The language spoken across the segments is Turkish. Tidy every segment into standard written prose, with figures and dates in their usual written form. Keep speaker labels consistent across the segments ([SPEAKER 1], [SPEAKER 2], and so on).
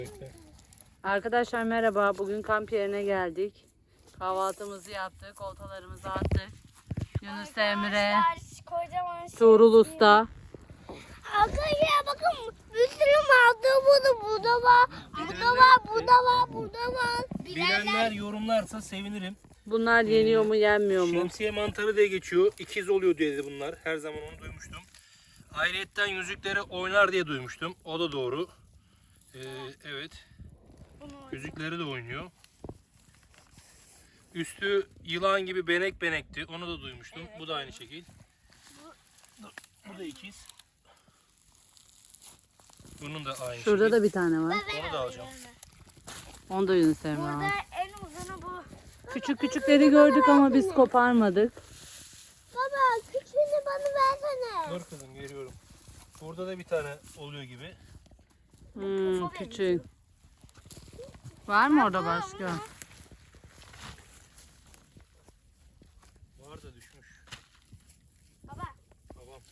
[SPEAKER 1] Arkadaşlar merhaba. Bugün kamp yerine geldik. Kahvaltımızı yaptık. Oltalarımızı attık. Yunus Emre,
[SPEAKER 2] Kocaman
[SPEAKER 1] Tuğrul Usta.
[SPEAKER 2] Arkadaşlar bakın bir sürü maldı burada var. Burada var.
[SPEAKER 3] Bilenler yorumlarsa sevinirim.
[SPEAKER 1] Bunlar yeniyor mu yenmiyor mu?
[SPEAKER 3] Şemsiye mantarı diye geçiyor. İkiz oluyor dedi bunlar. Her zaman onu duymuştum. Ayrıyetten yüzükleri oynar diye duymuştum. O da doğru. Evet. Yüzükleri de oynuyor. Üstü yılan gibi benekti. Onu da duymuştum. Bu da aynı şekil. Bu da ikiz. Bunun da aynı
[SPEAKER 1] Şurada
[SPEAKER 3] şekil.
[SPEAKER 1] da bir tane var.
[SPEAKER 3] Onu da alacağım.
[SPEAKER 1] Onu da Yunus Emre
[SPEAKER 2] Burada
[SPEAKER 1] aldı.
[SPEAKER 2] en uzunu bu.
[SPEAKER 1] Küçük küçükleri gördük ama biz koparmadık.
[SPEAKER 2] Baba küçüğünü bana versene.
[SPEAKER 3] Dur kızım geliyorum. Burada da bir tane oluyor gibi.
[SPEAKER 1] Küçük. Var mı orada başka?
[SPEAKER 3] Var da düşmüş.
[SPEAKER 2] Baba.
[SPEAKER 3] Tamam.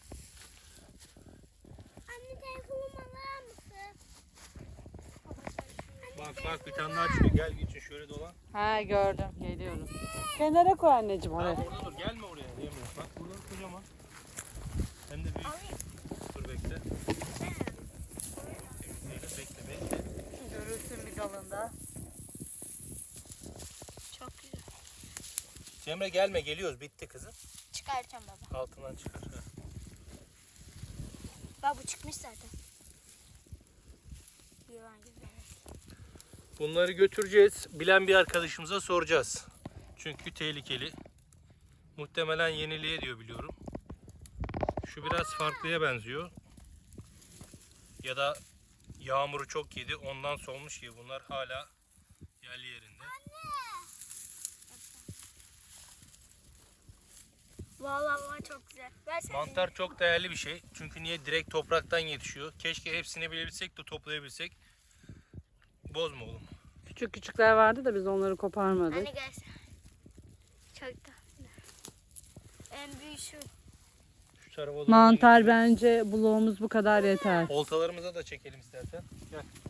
[SPEAKER 2] Anne telefonumu alır mısın?
[SPEAKER 3] Bak bir tane daha çıkıyor. Gel geçin şöyle dolan.
[SPEAKER 1] Ha gördüm. Geliyorum. Kenara koy anneciğim oraya.
[SPEAKER 3] Orada dur. Gelme oraya. Diyemiyorum. Bak burada kocaman. Hem de büyük. Dur bekle. Bekle.
[SPEAKER 1] Görürsün bir dalında.
[SPEAKER 2] Çok güzel.
[SPEAKER 3] Cemre gelme geliyoruz. Bitti kızım.
[SPEAKER 2] Çıkartacağım baba.
[SPEAKER 3] Altından çıkar. Ha.
[SPEAKER 2] Bak bu çıkmış zaten. Yılan gibi.
[SPEAKER 3] Bunları götüreceğiz. Bilen bir arkadaşımıza soracağız. Çünkü tehlikeli. Muhtemelen yeniliğe diyor biliyorum. Şu biraz farklıya benziyor. Ya da yağmuru çok yedi ondan solmuş gibi. Bunlar hala yerli yerinde.
[SPEAKER 2] Vallahi baba çok güzel. Versene.
[SPEAKER 3] Mantar çok değerli bir şey. Çünkü niye? Direkt topraktan yetişiyor. Keşke hepsini bilebilsek de toplayabilsek. Bozma oğlum.
[SPEAKER 1] Küçük küçükler vardı da biz onları koparmadık.
[SPEAKER 2] Anne gelsin. Çok tatlı. En büyük şu.
[SPEAKER 3] Şu tarafa doğru
[SPEAKER 1] Mantar
[SPEAKER 3] gidelim.
[SPEAKER 1] bence bloğumuz bu kadar yeter.
[SPEAKER 3] Oltalarımıza da çekelim istersen. Gel.